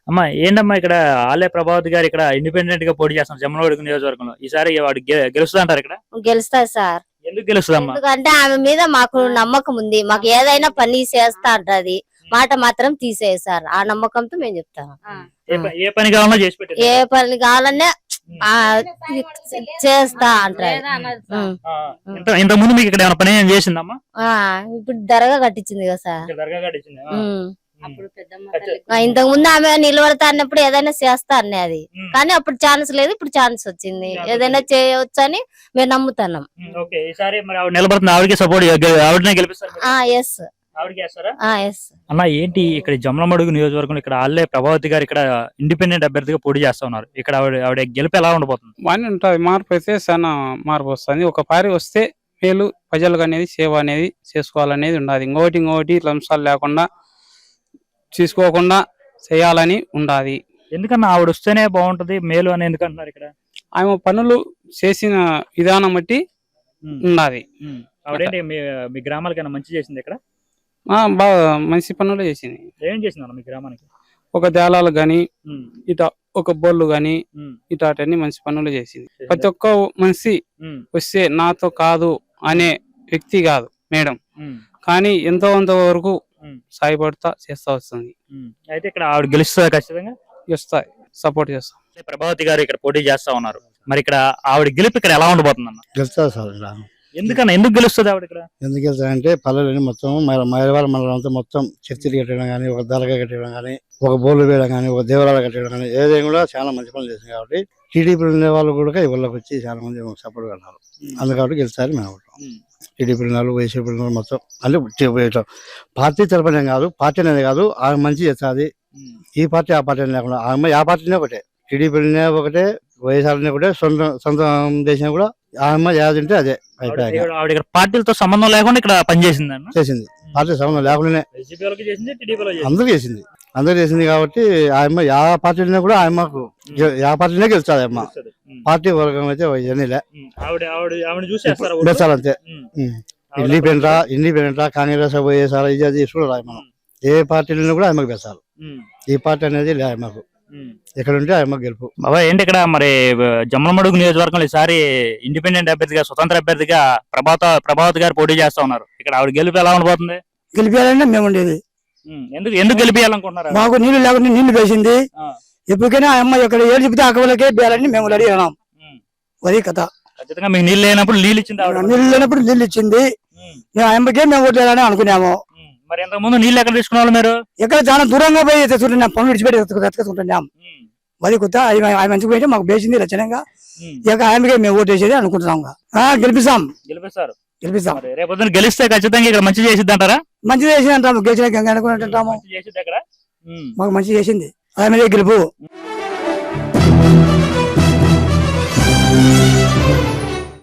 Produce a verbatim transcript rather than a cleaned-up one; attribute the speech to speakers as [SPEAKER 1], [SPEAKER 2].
[SPEAKER 1] అమ్మా ఏంటమ్మా ఇక్కడ ఆలయ ప్రభావతి గారు ఇక్కడ ఇండిపెండెంట్ గా పోటీ చేస్తున్నారు జమ్మలమడుగు నియోజకవర్గంలో. ఈసారి వాడు గెలుస్తా అంటారు ఇక్కడ?
[SPEAKER 2] గెలుస్తారు సార్.
[SPEAKER 1] ఎందుకు గెలుస్తుందమ్మా?
[SPEAKER 2] ఎందుకంటే ఆమె మీద మాకు నమ్మకం ఉంది. మాకు ఏదైనా పని చేస్తా అంటది, మాట మాత్రం తీసేది సార్. ఆ నమ్మకంతో మేము చెప్తాం.
[SPEAKER 1] ఏ పని కావాలన్నా చేసి పెట్టారు,
[SPEAKER 2] ఏ పని కావాలన్నా చేస్తా అంటారు.
[SPEAKER 1] ఇంత ముందు మీకు ఇక్కడ ఏమైనా పని ఏం చేసిందమ్మా?
[SPEAKER 2] ఇప్పుడు దర్గా కట్టించింది కదా సార్.
[SPEAKER 1] దర్గా కట్టించింది.
[SPEAKER 2] ఇంతకు ముందు ఆమె నిలబడతా అన్నప్పుడు ఏదైనా చేస్తా అన్నది, కానీ అప్పుడు ఛాన్స్ లేదు, ఇప్పుడు ఛాన్స్ వచ్చింది. ఏదైనా చేయవచ్చు అని మేము నమ్ముతున్నాం.
[SPEAKER 1] అన్న ఏంటి ఇక్కడ జమ్మలమడుగు నియోజకవర్గంలో ఇక్కడ ఆలయ ప్రభావతి గారు ఇక్కడ ఇండిపెండెంట్ అభ్యర్థిగా పోటీ చేస్తా ఉన్నారు. ఇక్కడ ఆవిడ ఆవిడ గెలుపు ఎలా ఉండబోతుంది?
[SPEAKER 3] బాగానే ఉంటుంది. మార్పు అయితే చాలా మార్పు వస్తుంది. ఒక పారి వస్తే మేలు ప్రజలకు అనేది సేవ అనేది చేసుకోవాలనేది ఉండాలి. ఇంకోటి ఇంకోటి లంసాలు లేకుండా తీసుకోకుండా చేయాలని ఉండాలి.
[SPEAKER 1] ఎందుకన్నా ఆవిడ వస్తేనే బాగుంటది మేలు అని ఎందుకంటున్నారు? ఇక్కడ
[SPEAKER 3] ఆమె పనులు చేసిన విధానం బట్టి ఉండాలి.
[SPEAKER 1] ఆవిడేంటి మీ గ్రామాలకైనా మంచి చేసింది? ఇక్కడ
[SPEAKER 3] బాగా మంచి పనులు చేసింది.
[SPEAKER 1] ఏం చేసింది మీ గ్రామానికి?
[SPEAKER 3] ఒక దేవాలయాలు గాని ఇట ఒక బోర్లు గాని ఇటాటన్ని మంచి పనులు చేసింది. ప్రతి ఒక్క మనిషి వస్తే నాతో కాదు అనే వ్యక్తి కాదు మేడం, కానీ ఎంతో కొంత వరకు సాయపడతా చేస్తా వస్తుంది.
[SPEAKER 1] అయితే ఇక్కడ ఆవిడ గెలుస్తుంది, ఖచ్చితంగా
[SPEAKER 3] గెలుస్తాయి, సపోర్ట్ చేస్తాం.
[SPEAKER 1] ప్రభావతి గారు ఇక్కడ పోటీ చేస్తా ఉన్నారు. మరి ఇక్కడ ఆవిడ గెలుపు ఇక్కడ ఎలా ఉండబోతుంది అన్న?
[SPEAKER 4] గెలుస్తుంది సార్.
[SPEAKER 1] ఎందుకన్నా ఎందుకు గెలుస్తుంది ఆవిడ ఇక్కడ?
[SPEAKER 4] ఎందుకు గెలుస్తారంటే పల్లెలని మొత్తం మైలవాళ్ళ మండలం అంతా మొత్తం చర్చిలు కట్టడం కానీ, ఒక దర్గా కట్టడం కానీ, ఒక బోర్లు వేయడం కానీ, ఒక దేవాలయాలు కట్టడం కానీ ఏదైనా కూడా చాలా మంచి పనులు చేసింది. కాబట్టి టీడీపీ ఉండే వాళ్ళు కూడా ఇళ్ళకి వచ్చి చాలా మంది సపోర్ట్ కట్టారు. అందుకని గెలుస్తారు మేము. టీడీపీ వాళ్ళు, వైసీపీ మొత్తం అంటే పార్టీ తరపునే కాదు, పార్టీ అనేది కాదు, ఆమె మంచి చేస్తుంది. ఈ పార్టీ ఆ పార్టీ లేకుండా ఆమె ఆ పార్టీనే ఒకటే, టీడీపీనే ఒకటే, వైఎస్ఆర్ ఒకటే, సొంత సొంత దేశం కూడా ఆమె ఏదంటే అదే
[SPEAKER 1] అయిపోయాయి. పార్టీలతో సంబంధం లేకుండా ఇక్కడ పనిచేసింది
[SPEAKER 4] చేసింది. పార్టీ సంబంధం లేకుండానే అందరూ చేసింది అందరూ చేసింది కాబట్టి ఆయమ్మ యా పార్టీనే కూడా ఆయమ్మకు యా పార్టీనే గెలుస్తుంది. అమ్మ పార్టీ వర్గం అయితే ఇవన్నీలే గెలుస్తారంతే. ఇండిపెండెంట్ ఇండిపెండెంట్ కాంగ్రెస్ వైఎస్ఆర్ ఇది అది చూడాలి. మనం ఏ పార్టీలో కూడా ఆయమ్మకు గెలుస్తారు. ఈ పార్టీ అనేది లే ఆయమ్మకు, ఎక్కడ ఉంటే ఆయమ్మ గెలుపు.
[SPEAKER 1] బాబా ఏంటి ఇక్కడ మరి జమ్మలమడుగు నియోజకవర్గంలో ఈసారి ఇండిపెండెంట్ అభ్యర్థిగా, స్వతంత్ర అభ్యర్థిగా ప్రభాత ప్రభావతి గారు పోటీ చేస్తా ఉన్నారు. ఇక్కడ ఆవిడ గెలుపు ఎలా ఉండబోతుంది?
[SPEAKER 5] గెలిపేయాలంటే మేము ఉండేది.
[SPEAKER 1] ఎందుకు ఎందుకు గెలిపేయాలనుకుంటున్నారు?
[SPEAKER 5] మాకు నీళ్లు లేకుండా నీళ్లు వేసింది. ఎప్పటికైనా అమ్మ ఇక్కడ ఏడు చెప్తే అక్కలకే బేయాలని మేము రెడీ అయినాం. అది కథ.
[SPEAKER 1] ఖచ్చితంగా మీకు నీళ్ళు లేనప్పుడు నీళ్ళు ఇచ్చింది,
[SPEAKER 5] నీళ్ళు లేనప్పుడు నీళ్ళు ఇచ్చింది. మేము అమ్మకే మేము ఓట్లేయాలని అనుకున్నాము.
[SPEAKER 1] మరి ఇంతకు ముందు నీళ్ళు ఎక్కడ తీసుకున్నారు మీరు?
[SPEAKER 5] ఎక్కడ చాలా దూరంగా పోయి తెచ్చుకుంటున్నాం, పనులు విడిచిపెట్టి ఎత్తుకుంటున్నాం. అది కొత్త ఆయన మంచిగా పోయి మాకు వేసింది రచనంగా. ఇక ఆయనకే మేము ఓటు వేసేది అనుకుంటున్నాం. గెలిపిస్తాం
[SPEAKER 1] గెలిపిస్తారు
[SPEAKER 5] గెలిపిస్తాం
[SPEAKER 1] రేపు గెలిస్తే ఖచ్చితంగా ఇక్కడ మంచి చేసిద్ది అంటారా?
[SPEAKER 5] మంచి చేసింది అంటాము. గెలిచిన అనుకుంటుంటాము. మాకు మంచి చేసింది, ఆమె గెలుపు.